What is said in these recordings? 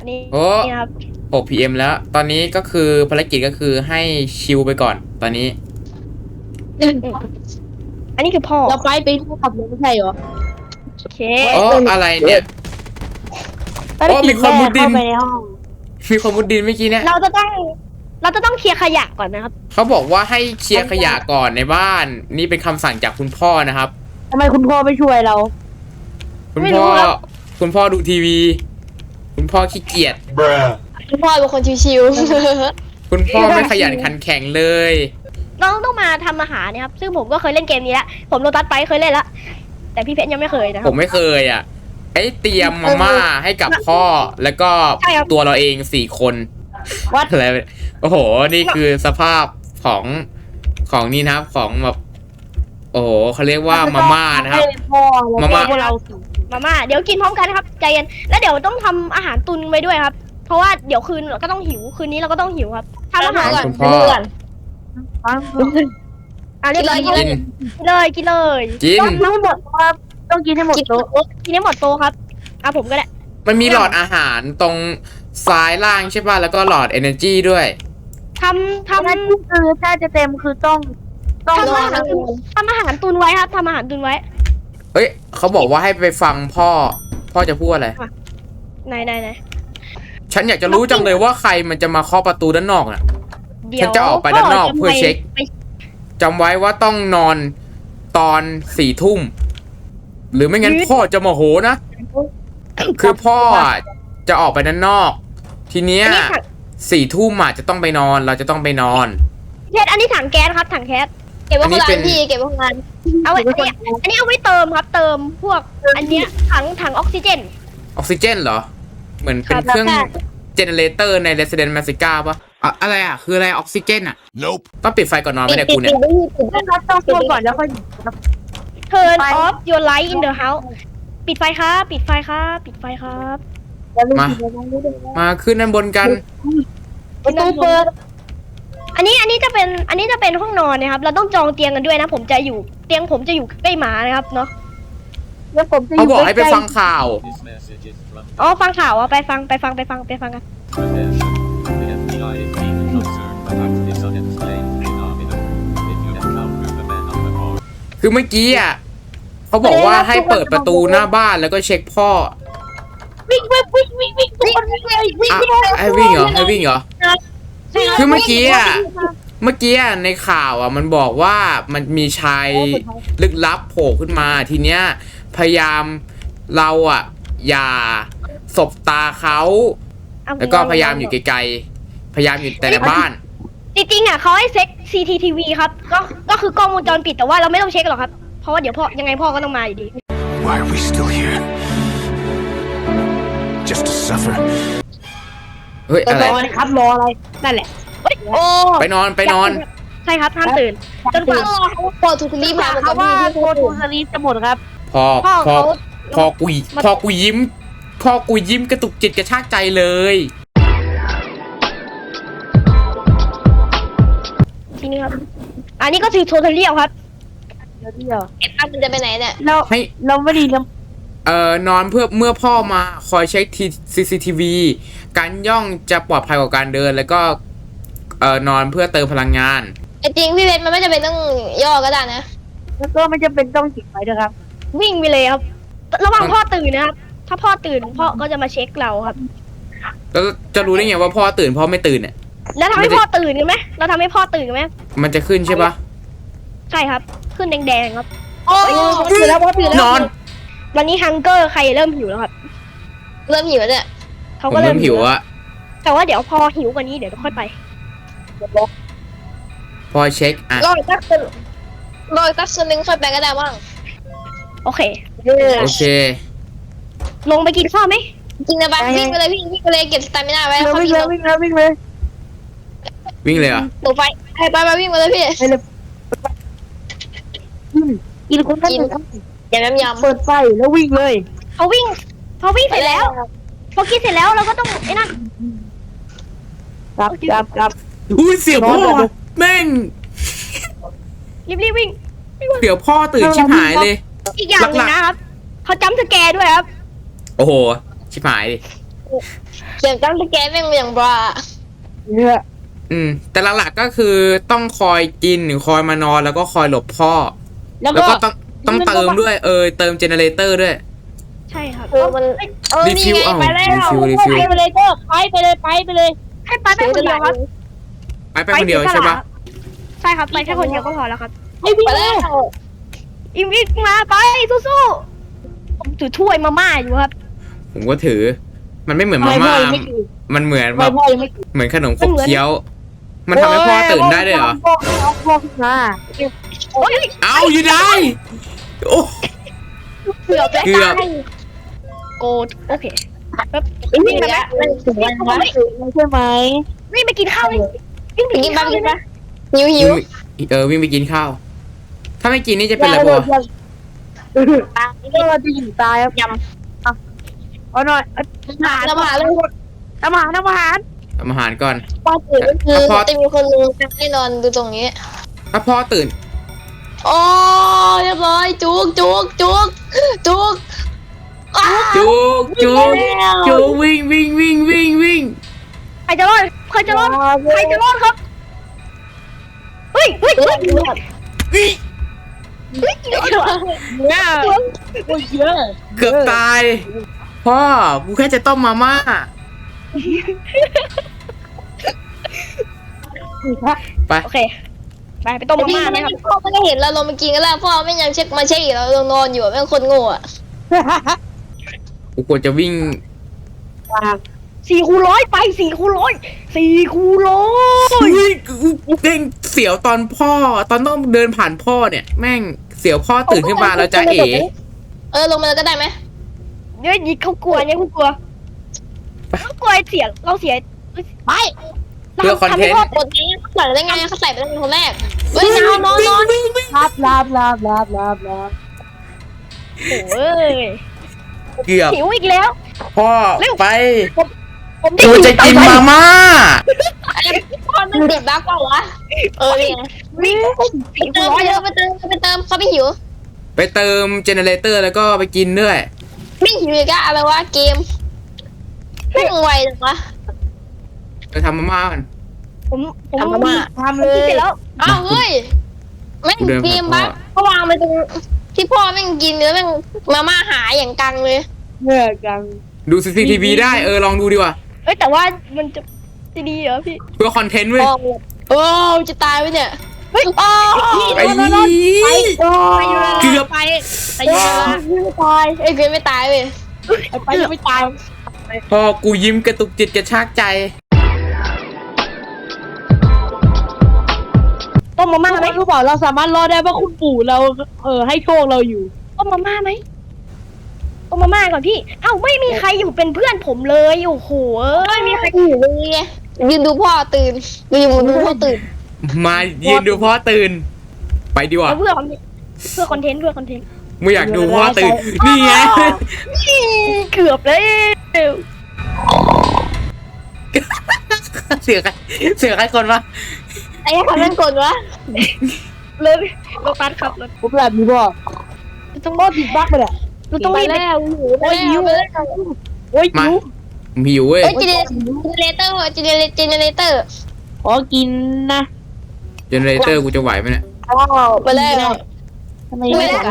นี่โอ้นี่ครับ 6 PM แล้ว ตอนนี้ก็คือภารกิจก็คือให้ชิลไปก่อน ตอนนี้อันนี้คือพ่อเราไปขับรถไม่ใช่เหรอโอเคโอ้ อะไรเนี่ยภารกิจมีคนมุดดินเข้าไปในห้องมีคนมุดดินเมื่อกี้เนี่ยเราจะต้องเคลียร์ขยะก่อนนะครับเขาบอกว่าให้เคลียร์ขยะก่อนในบ้าน นี่เป็นคำสั่งจากคุณพ่อนะครับทำไมคุณพ่อไม่ช่วยเราคุณไม่รู้พ่อครับคุณพ่อดูทีวี คุณพ่อขี้เกียจคุณพ่อเป็นคนชิวคุณพ่อไม่ขยันขันแข็งเลยเราต้องมาทำอาหารนะครับ ซึ่งผมก็เคยเล่นเกมนี้แล้วผมโลตัสไปเคยเล่นแล้วแต่พี่เพชรยังไม่เคยนะคผรับมไม่เคยอ่ะไอ้เตรียมมาม่าให้กับพ่อ แล้วก็ใช่ครับตัวเราเอง4 คนวัดอะไรโอ้โห นี่คือสภาพของนี่นะครับ ของแบบโอ้โหเขาเรียกว่ามาม่านะครับให้พ่อมาม่าพวกเราสิมาม่าเดี๋ยวกินพร้อมกันนะครับใจเย็นแล้วเดี๋ยวต้องทำอาหารตุนไว้ด้วยครับ เพราะว่าเดี๋ยวคืนเราก็ต้องหิวคืนนี้เราก็ต้องหิวครับทำอาหารคก่รัอบ นคุณพ่อเรียบร้อยกินกินเลยกินต้องหมดครับต้องกินให้หมดโต๊ะกินให้หมดโตะครับผมก็ได้มันมีหลอดอาหารตรงซ้ายล่างใช่ป่ะ แล้วก็หลอด energy ด้วยทำทำนั้นคือถ้าจะเต็มคือต้องทำอาหารตุนไว้ครับทำอาหารตุนไว้เอ้ยเขาบอกว่าให้ไปฟังพ่อ พ่อจะพูดอะไรไหนฉันอยากจะรู้จังเลยว่าใครมันจะมาเคาะประตูด้านนอกน่ะเดี๋ยวฉันจะออกไปด้านนอกเพื่อเช็คไปจำไว้ว่าต้องนอนตอน4 ทุ่ม หรือไม่งั้นพ่อจะโมโหนะ คือพ่ออะจะออกไปด้านนอก ทีเนี้ยอันนี้ถัง 4 ทุ่มอ่ะจะต้องไปนอน เราจะต้องไปนอนเพชรอันนี้ถังแก๊สครับถังแก๊สเก็บไว้อันคนี้นละเป็นพี่เก็บไว้คนละเอาไว้อันนี้เอาไว้เติมครับ เติมพวกอันเนี้ยถังออกซิเจนออกซิเจนเหรอ เหมือนเป็นครับเครื่องเจเนเรเตอร์ใน Resident Magica ป่ะอะไรอ่ะ คืออะไรออกซิเจนอ่ะ Nope. ต้องปิดไฟก่อนนอนไม่ได้กูเนี่ยต้องพูดก่อนแล้วค่อย Turn off your light in the house ปิดไฟครับปิดไฟครับปิดไฟครับมาขึ้นด้านบนกันประตูเปิดอันนี้จะเป็นห้องนอนนะครับ เราต้องจองเตียงกันด้วยนะ ผมจะอยู่เตียงผมจะอยู่ใกล้หมานะครับเนาะแล้วผมจะอเขายู่บอกให้ไปใกล้ๆฟังข่าว This message is from อ๋อฟังข่าวอ่ะไปฟังกัน attention. The FBI is deeply concerned about this unexplained phenomenon. If you encounter the man on the phone, คือเมื่อกี้อ่ะเขาบอกว่าให้เปิดประตูหน้าบ้านแล้วก็เช็คพ่อวิ่งทุกคนวิ่งอ่ะให้วิ่งเหรอให้วิ่งเหรอ คือเมื่อกี้อ่ะในข่าวอ่ะมันบอกว่ามันมีชายลึกลับโผล่ขึ้นมาทีเนี้ยพยายามเราอ่ะอย่าสบตาเขาแล้วก็พยายามอยู่ไกลๆพยายามอยู่แต่ในบ้านจริงๆอ่ะเขาให้เช็ค CCTV ครับก็คือกล้องวงจรปิดแต่ว่าเราไม่ต้องเช็คหรอกครับเพราะว่าเดี๋ยวพ่อยังไงพ่อก็ต้องมาอยู่ดี why are we still here? Just to suffer. เฮ้ยอะไรรออะไรครับรออะไรนั่นแหละเฮ้ยโอ้ไปนอนใช่ครับห้ามตื่นจนกว่าพอถูกรีบมาเขาว่าโคทูสลีปจะหมดครับพอพ่อพอเขาพอกูยิ้มกระตุกจิตกระชากใจเลยทีนี้ครับอันนี้ก็คือโทเทเรียลครับเดี๋ยวไอ้ตั้มมันจะไปไหนเนี่ยเราให้เราไม่ดีนะนอนเพื่อเมื่อพ่อมาคอยเช็ค CCTV การย่องจะปลอดภัยกว่าการเดินแล้วก็นอนเพื่อเติมพลังงานไอ้จริงพี่เพชรมันไม่จำเป็นต้องย่อก็ได้นะแล้วก็ไม่จำเป็นต้องจิบไว้ด้วยครับวิ่งไปเลยครับ ระหว่างพ่อตื่นนะครับ ถ้าพ่อตื่นพ่อก็จะมาเช็คเราครับแล้วจะรู้ได้ไงว่าพ่อตื่นพ่อไม่ตื่นเนี่ยแล้วทำให้พ่อตื่นกันไหมเราทำให้พ่อตื่นกันไหมมันจะขึ้นใช่ปะใช่ครับ ขึ้นแดงๆครับโอ้ตื่นแล้วพอตื่นแล้วนอนวันนี้ฮังเกอร์ใครเริ่มหิวแล้วครับเริ่มหิวแล้วเนี่ยเขาผมก็เริ่เริ่มมหิวอะแต่ว่าเดี๋ยวพอหิวกว่านี้เดี๋ยวค่อยไปพอเช็คอ่ะรออีกสักคนรออีกสักคนนึงค่อยไปก็ได้บ้างโอเคโอเคลงไปกินข้าวไหมจริงนะบ้าวิ่งไปเลยพี่วิ่งไปเลยเก็บสตามิน่าไว้แล้วค่อยวิ่งวิ่งเลยวิ่งเลยวิ่งเลยวิ่งเลยเหรอหนูไปไปวิ่งมาเลยพี่ไปเลยกินคนนั้นอย่าแม่มยำเปิดไฟแล้ววิ่งเลยพอวิ่งเสร็จแล้ว พอกินเสร็จแล้วเราก็ต้องไอ้นั่นกลับอุ้ยเสียวพ่อว่ะแม่งรีบวิ่งเสียวพ่อตื่นชิบหายเลยอีกอย่างหนึงนะครับเขาจำสแกร์ด้วยครับโอ้โห ชิบหายดิเสียงตั้งแต่แกแม่งอย่างบราเนี่ยแต่หลักๆก็คือต้องคอยกินหรือคอยมานอนแล้วก็คอยหลบพ่อแล้วแล้วก็ก็ต้องเติมด้วยเติมเจเนเรเตอร์ด้วยใช่ครับมันรีฟิวนี่ไงเอ้าไปแล้วรีฟิวไปไปเลยก็ไปเลยไปเลยให้ไปคนเดียวครับไปคนเดียวใช่ปะใช่ครับไปแค่คนเดียวก็พอแล้วครับให้พี่ไปแล้วอิมวิกมาไปสู้ๆผมถือถ้วยมาม่าอยู่ครับผมก็ถือ มันไม่เหมือนมาไม่พ่ม่าอยังไม่กินมันเหมือนแบไม่บพ่อยังไม่กินเหมือนขนมขบเคี้ยว มันทำให้พ่อตื่นได้ด้วยเหรอพ่อขึ้นมาโอ้ยเอาอยู่ได้โอ้เกือบแล้วเกือบโกดโอเคครับนี่แหละมันถึงวันวะใช่ไหมวิ่งไปกินข้าวเลยวิ่งไปกิกินนบ้าข้าง วเลกิยนไหมปะหิววิ่งไปกินข้าว ถ้าไม่กินนี่จะเป็นอะไรปะวะก็เราจะอยู่ตายครับยำเอาหน่อยอาหารน้ำหาเลยอาหารอาหารทำอาหารก่อนพอตื่นก็คือจะมีคนนึงให้นอนดูตรงนี้ถ้าพ่อตื่นโอ้เรียบร้อยจุกจุกวิ่งใครจะรอดใครจะรอดครับเฮ้ยวิ่งเนี่ยโอ้ยเยอะเกือบตาย พ่อกูแค่จะต้มมาม่าไปโอเคไปต้มมาม่าไหมครับพ่อไม่ได้เห็นเราลงมากินกันแล้วพ่อไม่ยังเช็คมาเช็คอีกเรานอนอยู่แม่งคนโง่อะกูควรจะวิ่ง 4x100ไป4x100 เฮ้ยกูเด้งเสียวตอนพ่อ ตอนต้องเดินผ่านพ่อเนี่ย แม่งเสียวพ่อตื่นขึ้นมาแล้วจะเอ๋ลงมาแล้วก็ได้ไหมเนี่ยยิงเขากลัวเนี่ยเขากลัวเสียเราเสียไปเพื่อคอนเทนต์กดนี้เขาใส่ได้ไงเขาใส่ไปตั้งแต่คนแรกเฮ้ยนอนลาบโอ้ยเกือบหิวอีกแล้วพ่อไปผมได้กูจะกินมาม่าพ่อมันติดบั๊กเปล่าวะนี่ไงวิ่งไปเติมเขาไม่หิวไปเติมเจเนเรเตอร์แล้วก็ไปกินด้วยไม่หิวอีกอะอะไรวะเกมไม่งไวจังวะไปทำมาม่ากันผมทำมาม่าทำเลยเสร็จแล้วอ้าวเฮ้ยแม่งเกมบั๊กเขาวางไปตรงที่พ่อแม่งกินแล้วแม่งมาม่าหายอย่างกังเลยเมื่อกันดู CCTV ได้ลองดูดีกว่าเอ้ยแต่ว่ามันจะดีเหรอพี่เพื่อคอนเทนต์เว้ยโอ้จะตายไปเนี่ยเฮ้ยไอ้ เกือบไปไปไม่ตายเกมไม่ตายเว้ยไปไม่ตายพ่อกูยิ้มกระตุกจิตกระชากใจต้มมาม่าไหมรู้เปล่าเราสามารถรอดได้เพราะคุณปู่เราให้โชคเราอยู่ต้มมาม่าไหมต้มมาม่าก่อนพี่เอ้าไม่มีใครอยู่เป็นเพื่อนผมเลยโอ้โหไม่มีใครอยู่เลยไงยืนดูพ่อตื่นยืนดูพ่อตื่นมายืนดูพ่อตื่น ไปดีกว่าเพื่อคอนเทนต์ไม่อยากดูพ่อตื่น นี่ไงเกือบแล้วเสียใครคนวะไอ้ทำนั่นกดวะเลยโลตัสครับรถผมแบบนี้บอกต้องก็ติดบั๊กไปแหละเราต้องไปรีบแล้วหิวไปแล้วโอ้ยมาหิวผมหิวเว้ยเจเนเรเตอร์ขอกินนะเจเนเรเตอร์กูจะไหวไหมเนี่ยไปแล้วทำไมไม่ได้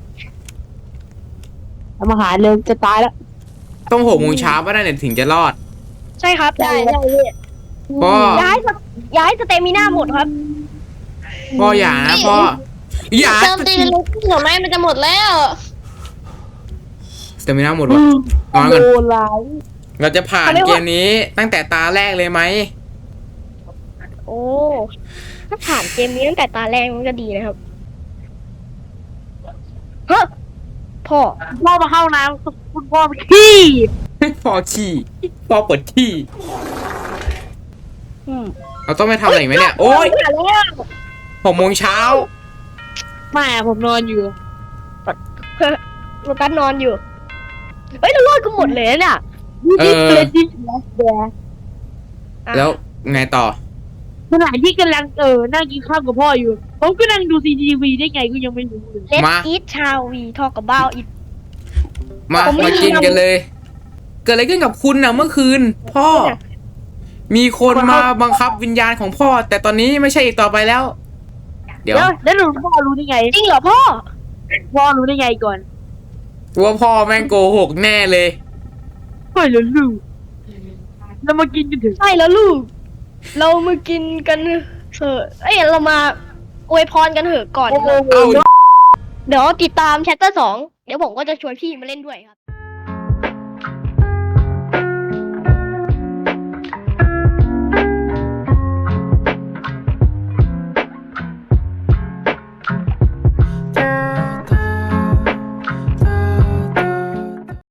ทำอาหารเลยจะตายแล้วต้อง6 โมงเช้าป่ะนั่นเนี่ยถึงจะรอดใช่ครับได้พ่อย้ายสเตมิน่าหมดครับพ่ออย่านะพ่อ อย่าเติมตีนลูกหน่อไม้มันจะหมดแล้วสเตมิน่าหมดวะนอนโดกันนร้ายเราจะผ่านเกมนี้ตั้งแต่ตาแรกเลยไหมโอ้ถ้าผ่านเกมนี้ตั้งแต่ตาแรกมันก็ดีนะครับเฮ้อพ่อพ่อมาเข้าน้ำคุณพ่อไปขี้พ่อขี้พ่อปวดขี้อืมเราต้องไปทำอะไรอีกไหมเนี่ย โอ๊ยแล้ว 6 โมงเช้าไม่ผมนอนอยู่โลตัสนอนอยู่เฮ้ยเรารอดกันหมดเลยเนี่ยเลยที่แดงแล้วไงต่อขณะที่กำลังนั่งกินข้าวกับพ่ออยู่ ผมก็นั่งดู CCTV ได้ไงก็ยังไม่รู้เลย Let's มา eat ชาววีทอกกับบ้าอีกมาผมไม่มามีกินกันเลยเกิดอะไรขึ้นกับคุณนะเมื่อคืน พ่อ มีคนมาบังคับวิญญาณของพ่อ แต่ตอนนี้ไม่ใช่อีกต่อไปแล้ว เดี๋ยวแล้วพ่อรู้ได้ไงจริงเหรอพ่อพ่อรู้ได้ไงก่อนว่าพ่อแม่งโกหกแน่เลยเฮ้ยแล้วลูกเรามากินกันเถอะใช่แล้วลูก เรามากินกันเถอะเอ้ยเรามาอวยพรกันเถอะก่อนเอาเดี๋ยวติดตามแชปเตอร์2เดี๋ยวผมก็จะชวนพี่มาเล่นด้วยครับ